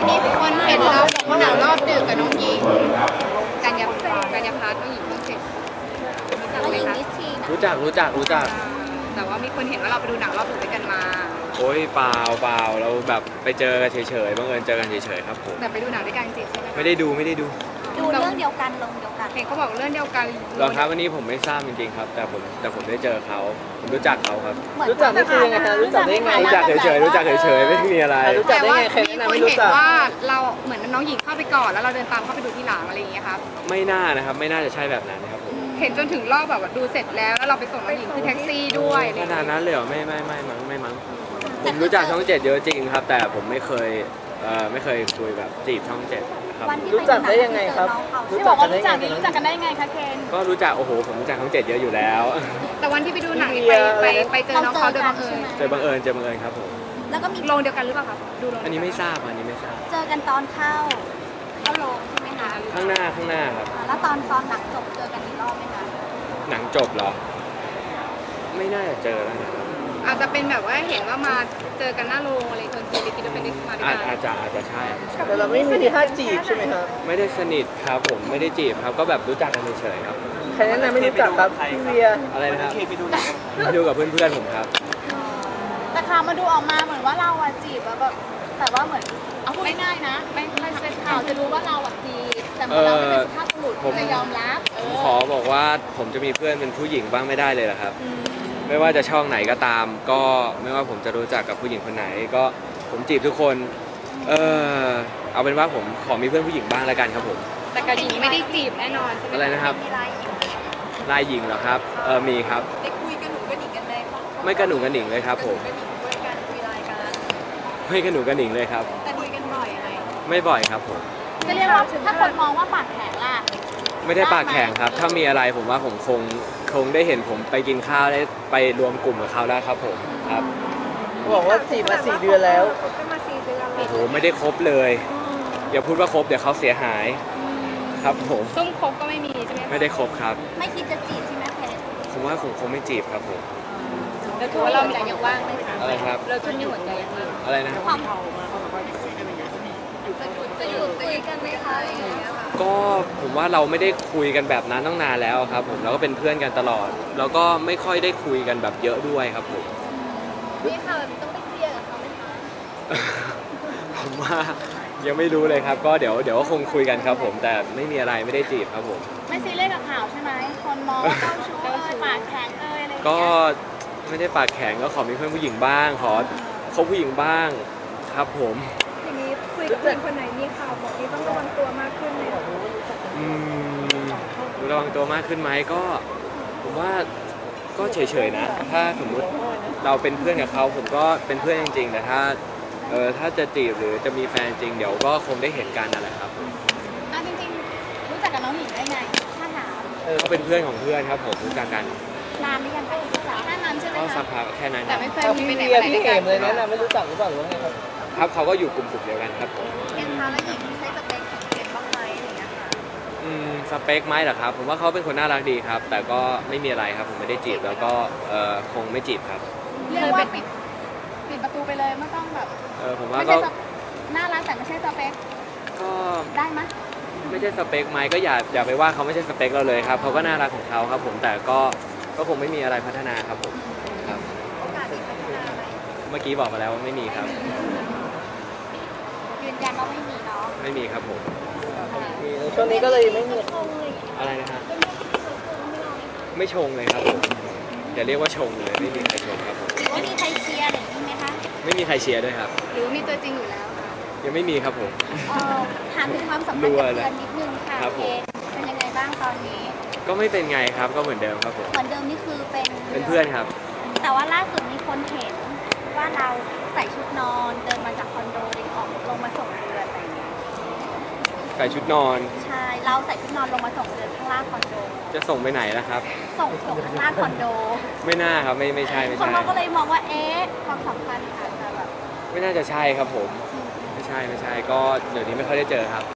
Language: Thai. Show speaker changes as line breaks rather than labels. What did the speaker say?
มีคนเห็นเราดูหนังรอบดึกกับน้องหญิงกัญญาพัฒน์น้องหญิงเพิ่งเสร็จรู้จักไหมคะ
รู้จัก
แต่ว่ามีคนเห็นว่าเราไปดูหนังรอบดึกด้วยกันมา
โอ้ยเปล่าเราแบบไปเจอกันเฉยๆบังเอิญเจอกันเฉยๆครับผม
แต่ไปดูหนังด้วยกันจริงใช่ไหม
ไม่ได้ดู
เรื่องเดียวกันลงเดียวกัน
เห็นเขาบอกเรื่องเดียวกัน
หรอครับวันนี้ผมไม่ทราบจริงๆครับแต่ผมได้เจอเขาผมรู้จักเขาครับ
รู้จักนี่คือยังไงฮะรู้จักได้ไง
รู้จักเฉยๆไม่มีอะไร
รู้จักได้ไงใครแนะนำไม่รู้จัก
ว่าเราเหมือนน้องหญิงเข้าไปก่อนแล้วเราเดินตามเข้าไปดูที่หลังอะไรอย่างเงี้ยครับ
ไม่น่านะครับไม่น่าจะใช่แบบนั้นนะครับผม
เห็นจนถึงรอบแบบว่าดูเสร็จแล้วเราไปส่งน้องหญิงคือแท็กซี่ด้วย
ขนาดนั้นเลยเหรอไม่มั้งผมรู้จักช่อง7เยอะจริงครับแต่ผมไม่เคยคุยแบบจีบช่อง7ครับ
รู้จักได้ยังไงครับ
รู้จักกันได้ยังไงคะเคน
ก็รู้จักโอ้โหผมรู้จักช่อง7เยอะอยู่แล้ว
แต่วันที่ไปดูหนังไปเจอน้องเขาโดยบังเอิญ
เจอบังเอิญครับผม
แล้วก็มี
โรงเดียวกันหรือเปล่าครับดูโรง
อันนี้ไม่ทราบ
เจอกันตอนเข้าโรงใช่ไหมคะ
ข้างหน้าครับ
แล้วตอนหนังจบเจอกันอีกรอบไหมคะ
หนังจบเหรอไม่น่าจะเจอแล้วนะครับ
อาจจะเป็นแบบว่าเห็นว่ามาเจอกันหน้าโรงอะไรคนคิดว่าเป็นมาด้วยกัน
อาจจะใช่
แต่เราไม่มีทีท่าจีบใช่ไหมครับ
ไม่ได้สนิทครับผมไม่ได้จีบครับก็แบบรู้จักกันเฉยๆครับ
ใครแนะนำไม่รู้จักครับพี่เวีย
อะไรนะครับไปดูกับเพื่อนผมครับ
แต่ข่าวมาดูออกมาเหมือนว่าเราจีบแบบแต่ว่าเหมือนเอาพูดง่ายๆนะไม่เป็นข่าวจะรู้ว่าเราจีบแต่เราไม่เป็นสุภาพบุรุษจะยอมรับ
ผมขอบอกว่าผมจะมีเพื่อนเป็นผู้หญิงบ้างไม่ได้เลยเหรอครับไม่ว่าจะช่องไหนก็ตามก็ไม่ว่าผมจะรู้จักกับผู้หญิงคนไหนก็ผมจีบทุกคนเอาเป็นว่าผมขอมีเพื่อนผู้หญิงบ้างแล้วกันครับผม
แต่กับหญิงไม่ได้จีบแน่นอนใช่ไหม
อะไรนะครับลายหญิงเหรอครับมีครับ
ได้คุยกันหนูกันหนิงกันได้ปะ
ไม่กันหนูกันหนิงเลยครับผมไม่กันหนูกันหนิงเลยครับ
แต่คุยกันบ่อยไหม
ไม่บ่อยครับผม
จะเรียกว่าถ้าคนมองว่าปากแข็งล่ะ
ไม่ได้ปากแข็งครับถ้ามีอะไรผมว่าผมคงได้เห็นผมไปกินข้าวได้ไปรวมกลุ่มกับเขาแล้วครับผมครับ
บอกว่าจีบมา4 เดือนแล้ว
โอ้โหไม่ได้ครบเลยอย่าพูดว่าครบเดี๋ยวเขาเสียหายครับผม
ซุ่มครบก็ไม่มีใช่ไหม
ไม่ได้ครบครับ
ไม่คิดจะจีบใช่ไหมเพชร
ผมว่าผมคงไม่จีบครับผม
แล้วถือว่าเรามีอย่างว่างไหมคะ
อะไรครับ
เราช่วงนี้หัวใจยังว่าง
อะไรนะ
จะอยู่คุยกันไหมคะอะไรอย่างเงี้ยค่ะ
ก็ผมว่าเราไม่ได้คุยกันแบบนั้นตั้งนานแล้วครับผมเราก็เป็นเพื่อนกันตลอดแล้วก็ไม่ค่อยได้คุยกันแบบเยอะด้วยครับผม
นี่ค่ะต้องไปเคลียร์กับเขาไหมคะ
ผมว่ายังไม่รู้เลยครับก็เดี๋ยวก็คงคุยกันครับผมแต่ไม่มีอะไรไม่ได้จีบครับผม
ไม่ซีเรียสกับข่าวใช่ไหมคนมองเจ้าชู้ปากแข็งอะไรอย่างเงี้ย
ก็ไม่ได้ปากแข็งก็ขอมีเพื่อนผู้หญิงบ้างขอคบผู้หญิงบ้างครับผม
อย่างนี้คุยกับเพื่อนคนไหนมีข่าวบอกที่ต้องระวังตัวมากขึ้นไหม
ระวังตัวมากขึ้นไหมก็ผมว่าก็เฉยๆนะถ้าสมมุติเราเป็นเพื่อนกับเขาผมก็เป็นเพื่อนจริงๆแต่ถ้าจะจีบหรือจะมีแฟนจริงเดี๋ยวก็คงได้เห็นกันนั่นแหละครับ
จริงๆรู้จักกับน้องหญิงได้ไงถ้าถาม
เขาเป็นเพื่อนของเพื่อนครับผมรู้จักกัน
นานหรือยังคะแค่นั้นใช่ไหม
ก็
คะ
สักพักแค่นั้น
แต่ไม่เคยมี
พี่
ไปไหน
เวียพี่เอ๋เลยแนะนำไม่รู้จักหรือเปล่าหรือว่าไงครับ
ครับเขาก็อยู่กลุ่มเดียวกันครับผม
เป็นทาแล้วหญิงใช้สเปคของเด็กบ้างไหมอย่างเงี้ยค่ะ
สเปคไหมเหรอครับผมว่าเขาเป็นคนน่ารักดีครับแต่ก็ไม่มีอะไรครับผมไม่ได้จีบแล้วก็คงไม่จีบครับ
เรียกว่าปิดประตูไปเลยไม่ต้องแบบ
ผมว่าก็
น่ารักแต่ไม่ใช่สเปค
ก็
ได้ไหม
ไม่ใช่สเปคไหมก็อย่าไปว่าเขาไม่ใช่สเปคเราเลยครับเขาก็น่ารักของเขาครับผมแต่ก็คงไม่มีอะไรพัฒนาครับผมครับเมื่อกี้บอกมาแล้วว่าไม่มีครับ
ยืนยันว่าไม่มีเนาะ
ไม่มีครับผม
ช่วงนี้ก็เลยไม่มี
อะไรนะฮะไม่ชงเลยครับผมอย่าเรียกว่าชงเลยไม่มีใครชงครับผม
ไม่มีใครเชียร์หรือไหมคะ
ไม่มีใครเชียร์ด้วยครับ
หรือมีตัวจริงอยู่แล้วค่ะ
ยังไม่มีครับผม
ถามถึงความสัมพันธ์กับเพื่อนนิดนึงค่ะเป็นยังไงบ้างตอนนี้
ก็ไม่เป็นไงครับก็เหมือนเดิมครับผม
เหมือนเดิมนี่คือ
เป็นเพื่อนครับ
แต่ว่าล่าสุดมีคนเห็นว่าเราใส่ชุดนอนเดินมาจากคอนโดออกลงมาส่งเดือนอะไรอย่างเงี้ย
ใส่ชุดนอน
ใช่เราใส่ชุดนอนลงมาส่งเดือนข้างล่างคอนโด
จะส่งไปไหนนะครับ
ส่งข้างล่างคอนโด
ไม่น่าครับไม่ใช่
คนเราก็เลยมองว่าความสัมพันธ์อาจจะแบบ
ไม่น่าจะใช่ครับผมไม่ใช่ก็เดี๋ยวนี้ไม่ค่อยได้เจอครับ